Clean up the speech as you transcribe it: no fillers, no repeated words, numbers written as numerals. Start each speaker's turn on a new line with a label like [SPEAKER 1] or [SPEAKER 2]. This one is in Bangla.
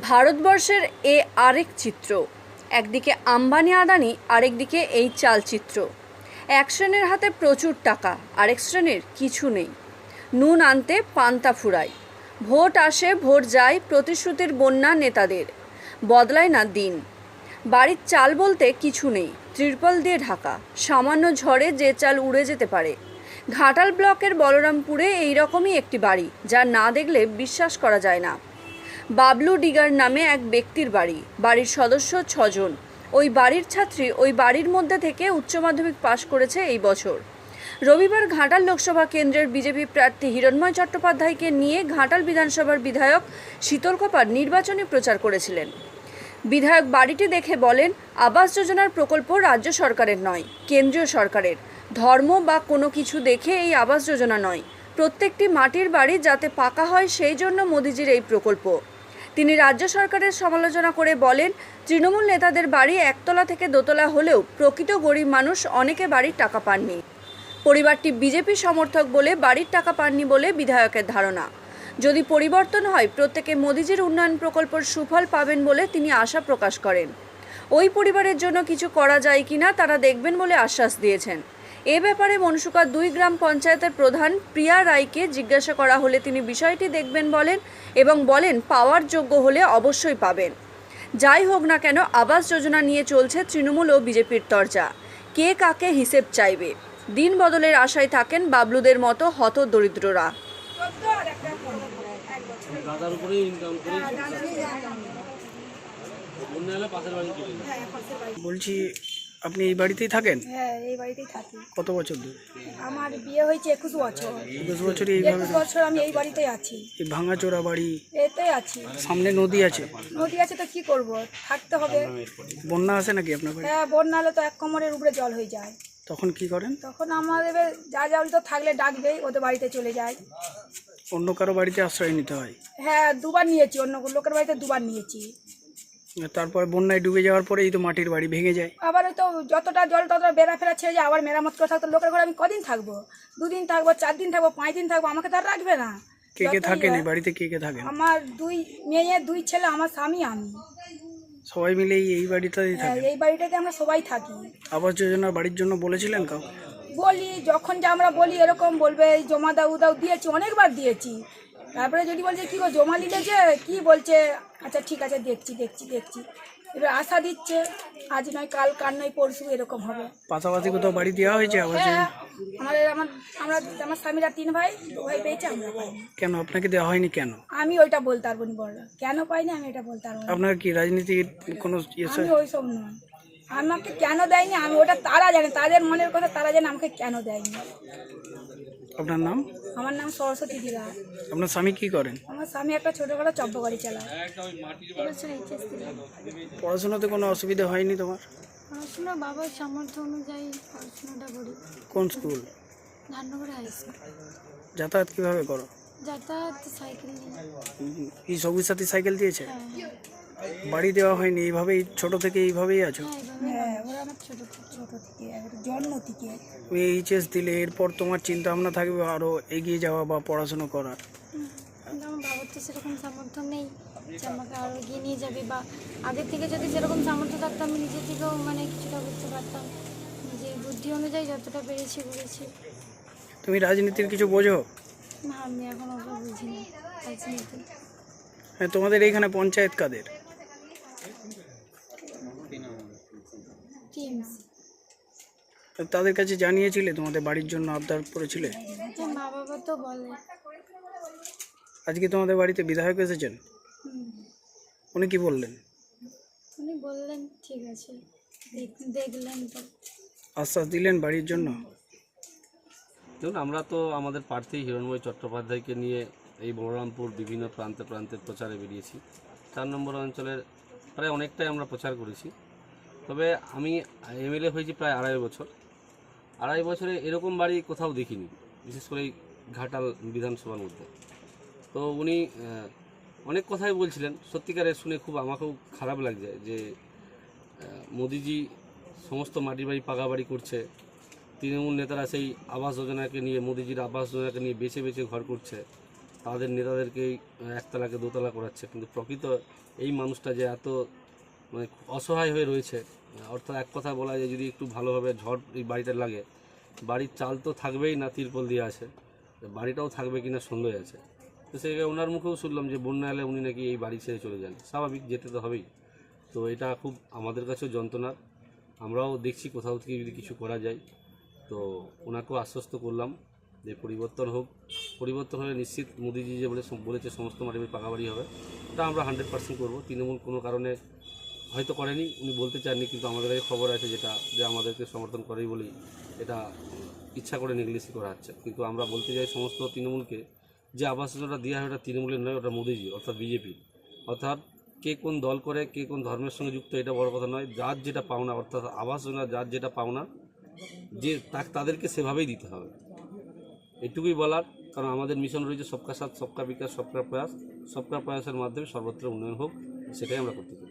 [SPEAKER 1] ভারতবর্ষের এ আরেক চিত্র। একদিকে আম্বানি আদানি, আরেকদিকে এই চালচিত্র। এক শ্রেণীর হাতে প্রচুর টাকা, আরেক শ্রেণীর কিছু নেই। নুন আনতে পান্তা ফুরায়। ভোট আসে ভোট যায়, প্রতিশ্রুতির বন্যা নেতাদের। বদলায় না দিন। বাড়ির চাল বলতে কিছু নেই, ত্রিপল দিয়ে ঢাকা। সামান্য ঝড়ে যে চাল উড়ে যেতে পারে। ঘাটাল ব্লকের বলরামপুরে এইরকমই একটি বাড়ি, যা না দেখলে বিশ্বাস করা যায় না। বাবলু ডিগার নামে এক ব্যক্তির বাড়ি। বাড়ির সদস্য 6 জন। ওই বাড়ির ছাত্রী ওই বাড়ির মধ্যে থেকে উচ্চ মাধ্যমিক পাশ করেছে এই বছর। রবিবার ঘাটাল লোকসভা কেন্দ্রের বিজেপি প্রার্থী হিরণময় চট্টোপাধ্যায়কে নিয়ে ঘাটাল বিধানসভার বিধায়ক শীতল কপার নির্বাচনী প্রচার করেছিলেন। বিধায়ক বাড়িটি দেখে বলেন, আবাস যোজনার প্রকল্প রাজ্য সরকারের নয়, কেন্দ্রীয় সরকারের। ধর্ম বা কোনো কিছু দেখে এই আবাস যোজনা নয়, প্রত্যেকটি মাটির বাড়ি যাতে পাকা হয় সেই জন্য মোদিজির এই প্রকল্প। তিনি রাজ্য সরকারের সমালোচনা করে বলেন, তৃণমূল নেতাদের বাড়ি একতলা থেকে দোতলা হলেও প্রকৃত গরিব মানুষ অনেকে বাড়ির টাকা পাননি। পরিবারটি বিজেপি সমর্থক বলে বাড়ির টাকা পাননি বলে বিধায়কের ধারণা। যদি পরিবর্তন হয়, প্রত্যেকে মোদিজির উন্নয়ন প্রকল্পের সুফল পাবেন বলে তিনি আশা প্রকাশ করেন। ওই পরিবারের জন্য কিছু করা যায় কিনা তারা দেখবেন বলে আশ্বাস দিয়েছেন। এ ব্যাপারে মনসুকা 2 গ্রাম পঞ্চায়েতের প্রধান প্রিয়া রায়কে জিজ্ঞাসা করা হলে তিনি বিষয়টি দেখবেন বলেন এবং বলেন পাওয়ার যোগ্য হলে অবশ্যই পাবেন। যাই হোক না কেন, আবাস যোজনা নিয়ে চলছে তৃণমূল ও বিজেপির তরজা। কে কাকে হিসেব চাইবে? দিন বদলের আশায় থাকেন বাবলুদের মতো হত দরিদ্ররা।
[SPEAKER 2] বলছি, আপনি এই বাড়িতেই থাকেন?
[SPEAKER 3] হ্যাঁ, এই বাড়িতেই থাকি।
[SPEAKER 2] কত বছর ধরে?
[SPEAKER 3] আমার বিয়ে হয়েছে 21 বছর।
[SPEAKER 2] 21 বছর এইভাবে
[SPEAKER 3] 21 বছর আমি এই বাড়িতেই আছি।
[SPEAKER 2] এই ভাঙাচোরা বাড়ি,
[SPEAKER 3] এতেই আছি।
[SPEAKER 2] সামনে নদী আছে।
[SPEAKER 3] নদী আছে তো কি করব, থাকতে হবে।
[SPEAKER 2] বন্যা আসে নাকি আপনার বাড়ি?
[SPEAKER 3] হ্যাঁ, বন্যা হলে তো এক কোমরের উপরে জল হয়ে যায়।
[SPEAKER 2] তখন কি করেন?
[SPEAKER 3] তখন আমাদের যা জল তো থাকলে ডাকবেই, ওদের বাড়িতে চলে যায়।
[SPEAKER 2] অন্য কারো বাড়িতে আশ্রয় নিতে হয়?
[SPEAKER 3] হ্যাঁ, দুবার নিয়েছি, অন্য লোকের বাড়িতে দুবার নিয়েছি।
[SPEAKER 2] তারপরে বন্যায় ডুবে যাওয়ার পরেই তো মাটির বাড়ি ভেঙে যায়।
[SPEAKER 3] আবার ওই তো যতটা জল ততটা বেড়া ফেরা ছেড়ে যায়, আবার মেরামত করে থাকতো। লোকের ঘরে আমি কদিন থাকবো? 2 দিন থাকবো, 4 দিন থাকবো, 5 দিন থাকবো, আমাকে তো আর রাখবে না।
[SPEAKER 2] কে কে থাকেন এই বাড়িতে? কে কে থাকেন?
[SPEAKER 3] আমার 2 মেয়ে, 2 ছেলে, আমার স্বামী, আমি।
[SPEAKER 2] সবাই মিলে এই বাড়িটাতেই
[SPEAKER 3] হ্যাঁ,
[SPEAKER 2] থাকেন?
[SPEAKER 3] এই বাড়িটাতে আমরা সবাই থাকি।
[SPEAKER 2] আবাস যোজনার বাড়ির জন্য বলেছিলেন কাউ?
[SPEAKER 3] বলি, যখন যা আমরা বলি এরকম বলবে জমা দাও দিয়েছি, অনেকবার দিয়েছি। তারপরে যদি বলছে কি গো জমা নিলে যে কি বলছে, আচ্ছা ঠিক আছে দেখছি। এবার আশা দিচ্ছে, আজ নয় কাল, কাল নয় পরশু, এরকম হবে।
[SPEAKER 2] পাশাপাশি কোথাও বাড়ি দেওয়া হয়েছে আবাস যোজনা?
[SPEAKER 3] হ্যাঁ, আমার স্বামীরা 3 ভাই, 2 ভাই পেয়েছে, আমরা পাইনি।
[SPEAKER 2] কেন আপনাকে দেওয়া হয়নি কেন?
[SPEAKER 3] আমি ওইটা বলতে পারবো না, বড়রা কেন পাইনি আমি এটা বলতে পারবো না।
[SPEAKER 2] আপনার কি রাজনীতির কোনো
[SPEAKER 3] আমি ওইসব নয়। আমাকে কেন দেয়নি আমি ওটা তারা জানে, তাদের মনের কথা তারা জানে আমাকে কেন দেয়নি।
[SPEAKER 2] আপনার নাম?
[SPEAKER 3] আমার নাম সরস্বতী দিলা।
[SPEAKER 2] আপনার স্বামী কি করেন?
[SPEAKER 3] আমার স্বামী একটা ছোটখাটো চব্য গাড়ি চালায়।
[SPEAKER 2] পড়াশোনাতে কোনো অসুবিধা হয়নি তোমার?
[SPEAKER 4] পড়াশোনা বাবার সামর্থ্য অনুযায়ী পড়াশোনাটা করি।
[SPEAKER 2] কোন স্কুল?
[SPEAKER 4] ধাননগর high school.
[SPEAKER 2] যাতায়াত কিভাবে করো?
[SPEAKER 4] যাতায়াত সাইকেল নিয়ে।
[SPEAKER 2] কি সবুজ সাথী সাইকেল দিয়েছে?
[SPEAKER 4] হ্যাঁ,
[SPEAKER 2] বাড়ি দেওয়া হয়নি? এইভাবেই ছোট থেকে এইভাবেই আছো?
[SPEAKER 3] হ্যাঁ, ওরা আমার ছোট থেকে জন্ম থেকে।
[SPEAKER 2] তুমি এইচএস দিলে, এরপর তোমার চিন্তা ভাবনা থাকবে আরো এগিয়ে যাওয়া বা পড়াশোনা করার।
[SPEAKER 4] কিন্তু আমার বাবার তো সেরকম সামর্থ্য নেই যে আমাকে আরও এগিয়ে নিয়ে যাবে, বা আগের থেকে যদি সেরকম সামর্থ্য থাকতো আমি নিজে থেকেও কিছুটা বুঝতে পারতাম। নিজের বুদ্ধি অনুযায়ী যতটা পেরেছি করেছি।
[SPEAKER 2] তুমি রাজনীতির কিছু বোঝো?
[SPEAKER 4] না, আমি এখন ওগুলো বুঝি না রাজনীতি।
[SPEAKER 2] হ্যাঁ, তোমাদের এইখানে পঞ্চায়েত কাদের?
[SPEAKER 4] টিমস।
[SPEAKER 2] তাদের কাছে জানিয়েছিলে তোমাদের বাড়ির জন্য আবদার করেছিলে?
[SPEAKER 4] মা বাবা তো বলে।
[SPEAKER 2] আজকে তোমাদের বাড়িতে বিধায়ক এসেছেন, উনি কি বললেন?
[SPEAKER 4] উনি বললেন ঠিক আছে, দেখলেন তো।
[SPEAKER 2] আশ্বাস দিলেন বাড়ির জন্য?
[SPEAKER 5] দেখুন, আমরা তো আমাদের প্রার্থী হিরণময় চট্টোপাধ্যায়কে নিয়ে এই বলরামপুর বিভিন্ন প্রান্তে প্রান্তে প্রচারে বেরিয়েছি। 4 নম্বর অঞ্চলের প্রায় অনেকটাই আমরা প্রচার করেছি। তবে আমি এমএলএ হয়েছি প্রায় 2.5 বছর। 2.5 বছরে এরকম বাড়ি কোথাও দেখিনি, বিশেষ করে এই ঘাটাল বিধানসভার মধ্যে। তো উনি অনেক কথাই বলছিলেন, সত্যিকারের শুনে খুব আমাকেও খারাপ লাগছে যে মোদিজি সমস্ত মাটির বাড়ি পাকা বাড়ি করছে, তৃণমূল নেতারা সেই আবাস যোজনাকে নিয়ে, মোদিজির আবাস যোজনাকে নিয়ে বেছে বেছে ঘর করছে। তাদের নেতাদেরকেই একতলাকে দোতলা করাচ্ছে, কিন্তু প্রকৃত এই মানুষটা যে এত মানে অসহায় হয়ে রয়েছে, অর্থাৎ এক কথা বলা যায় যদি একটু ভালোভাবে ঝড় এই বাড়িটা লাগে, বাড়ির চাল তো থাকবেই না, তিরপল দিয়ে আছে, বাড়িটাও থাকবে কিনা সন্দেহ আছে। তো সেই ওনার মুখেও শুনলাম যে বন্যা এলে উনি নাকি এই বাড়ি ছেড়ে চলে যান, স্বাভাবিক যেতে তো হবেই। তো এটা খুব আমাদের কাছেও যন্ত্রণার, আমরাও দেখছি কোথাও থেকে যদি কিছু করা যায়। তো ওনাকেও আশ্বস্ত করলাম যে পরিবর্তন হোক, পরিবর্তন হলে নিশ্চিত মোদিজি যে বলেছে সমস্ত মাটির পাকা বাড়ি হবে, ওটা আমরা 100% করবো। তৃণমূল কোনো কারণে হয়তো করেনি, উনি বলতে চাননি, কিন্তু আমাদের কাছে খবর আছে যেটা যে আমাদেরকে সমর্থন করেই বলেই এটা ইচ্ছা করে নেগলেসি করা হচ্ছে। কিন্তু আমরা বলতে চাই সমস্ত তৃণমূলকে যে আবাস যোজনাটা দেওয়া হয় ওটা তৃণমূলের নয়, ওটা মোদিজি অর্থাৎ বিজেপি। অর্থাৎ কে কোন দল করে, কে কোন ধর্মের সঙ্গে যুক্ত, এটা বড় কথা নয়। যার যেটা পাওনা, অর্থাৎ আবাস যোজনা যার যেটা পাওনা, যে তাদেরকে সেভাবেই দিতে হবে, এটুকুই বলার। কারণ আমাদের মিশন রয়েছে সবকা সাথ সবকা বিকাশ সবকা প্রয়াস, সবকা প্রয়াসের মাধ্যমে সর্বত্র উন্নয়ন হোক, সেটাই আমরা করতে চাই।